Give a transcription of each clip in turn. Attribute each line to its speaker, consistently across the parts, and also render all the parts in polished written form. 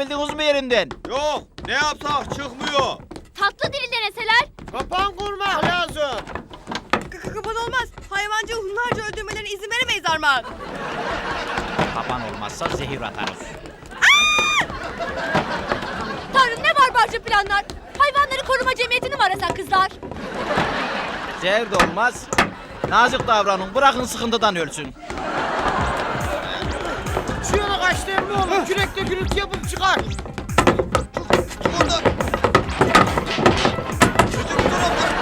Speaker 1: çıkarabildiniz mi yerinden?
Speaker 2: Yok, ne yapsak çıkmıyor.
Speaker 3: Tatlı dili deneseler.
Speaker 4: Kapan kurmak lazım.
Speaker 5: Kapan olmaz. Hayvancı hunharca öldürmelerine izin veremeyiz Armağan.
Speaker 1: Kapan olmazsa zehir atarız.
Speaker 3: Tanrım ne barbarca planlar. Hayvanları koruma cemiyetini mi arasak kızlar?
Speaker 1: Zehir de olmaz. Nazik davranın, bırakın sıkıntıdan ölsün.
Speaker 4: Şu yana kaçtığım ne olur? Kürekle gürültü yapıp çıkar.
Speaker 2: Oradan. Çocuk bu tarafa.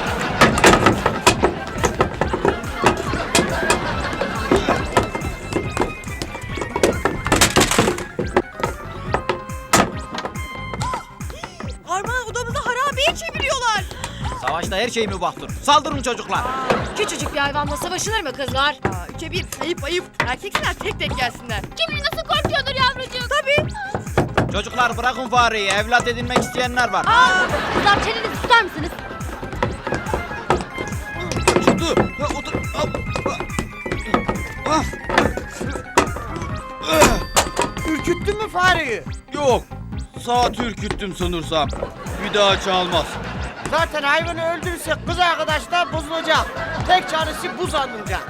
Speaker 5: Armağan odamızı harabeye çeviriyorlar.
Speaker 1: Savaşta her şey mübahtır. Saldırın çocuklar.
Speaker 3: Küçücük bir hayvanla savaşılır mı kızlar?
Speaker 5: Üçe bir. Ayıp ayıp. Erkekler tek tek gelsinler.
Speaker 3: Kim bilir nasıl korkuyordur yavrucuğum.
Speaker 5: Tabii.
Speaker 1: Çocuklar bırakın fareyi. Evlat edinmek isteyenler var.
Speaker 3: Kızlar çenenizi tutar mısınız?
Speaker 2: Çıktı. Ha, otur. Hop. Ah.
Speaker 4: Ürküttün mü fareyi?
Speaker 2: Yok. Saat ürküttüm sanırsam. Bir daha çalmaz.
Speaker 4: Zaten hayvanı öldürürsek kız arkadaşlar bozulacak. Tek çaresi buz alınacak.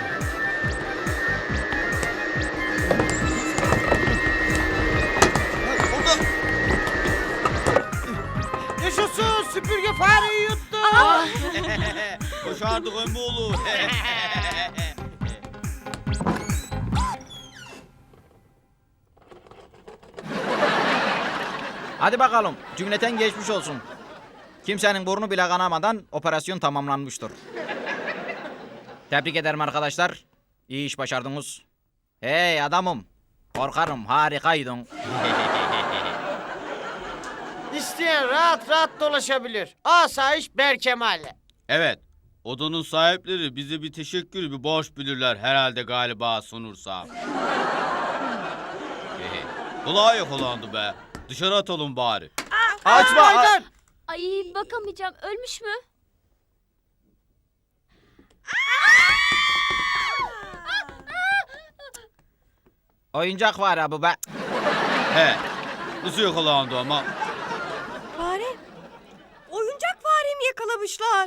Speaker 2: Orada.
Speaker 4: Yaşasın, süpürge fareyi yuttu.
Speaker 2: Başardık emmi oğlu.
Speaker 1: Hadi bakalım. Cümleten geçmiş olsun. Kimsenin burnu bile kanamadan operasyon tamamlanmıştır. Tebrik ederim arkadaşlar. İyi iş başardınız. Hey adamım. Korkarım harikaydın.
Speaker 4: İsteyen rahat rahat dolaşabilir. Asayiş Berkemal'le.
Speaker 2: Evet. Odanın sahipleri bize bir teşekkür, bir borç bilirler herhalde galiba sanırsam. Kulağı yakalandı be. Dışarı atalım bari.
Speaker 1: Açma.
Speaker 4: Aydan.
Speaker 3: Ay bakamayacağım. Ölmüş mü?
Speaker 1: Oyuncak var ha bu be.
Speaker 2: He. Nasıl yakalandı ama?
Speaker 5: Fare. Oyuncak faremi yakalamışlar.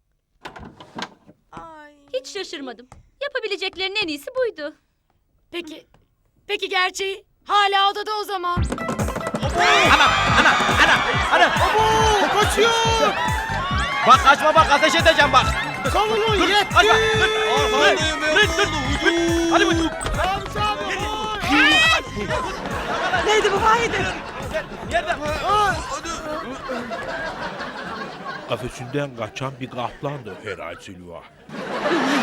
Speaker 5: Ay.
Speaker 3: Hiç şaşırmadım. Yapabileceklerinin en iyisi buydu.
Speaker 6: Peki gerçeği? Hala odada o zaman.
Speaker 1: Ana.
Speaker 4: Kaçıyor.
Speaker 1: Bak kaçma bak ateş edeceğim bak.
Speaker 4: Savunun yetti.
Speaker 1: Kaçma.
Speaker 2: Arkandayım emmi
Speaker 1: Hadi buyur.
Speaker 5: Neydi bu Vahide?
Speaker 7: Kafesinden kaçan bir kaplandı herhalde Zülva.